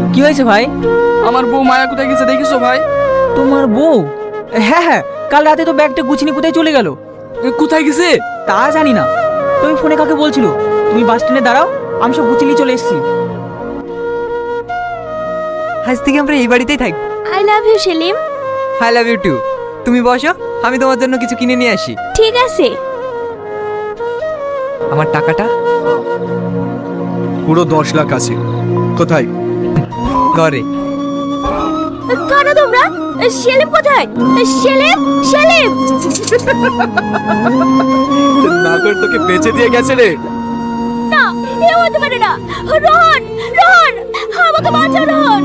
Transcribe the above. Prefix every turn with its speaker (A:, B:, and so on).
A: কি হয়েছে ভাই?
B: আমার বউ মায়া কোথায় গেছে দেখিছো ভাই?
A: তোমার বউ? হ্যাঁ হ্যাঁ, কাল রাতে তো ব্যাগটা গুছিয়ে কোথায় চলে গেল?
B: কোথায় গেছে?
A: তা জানি না। তুমি ফোনে কাকে বলছিল? তুমি বাস স্ট্যান্ডে দাঁড়াও, আমি সব গুছিয়ে চলে এসেছি।
C: আজ থেকে আমরা এই বাড়িতেই থাকবো।
D: I love you Selim.
C: I love you too. তুমি বসো, আমি তোমার জন্য কিছু কিনে নিয়ে আসি।
D: ঠিক আছে।
C: আমার টাকাটা?
E: পুরো 10 লাখ আছে। কোথায়?
C: ঘরে।
D: কারা তোমরা? সেলিম কোথায়? সেলিম, সেলিম।
E: নাগর তোকে বেচে দিয়ে গেছে রে।
D: না, এ হতে পারে না। রোহন, রোহন, আমাকে বাঁচাও রোহন।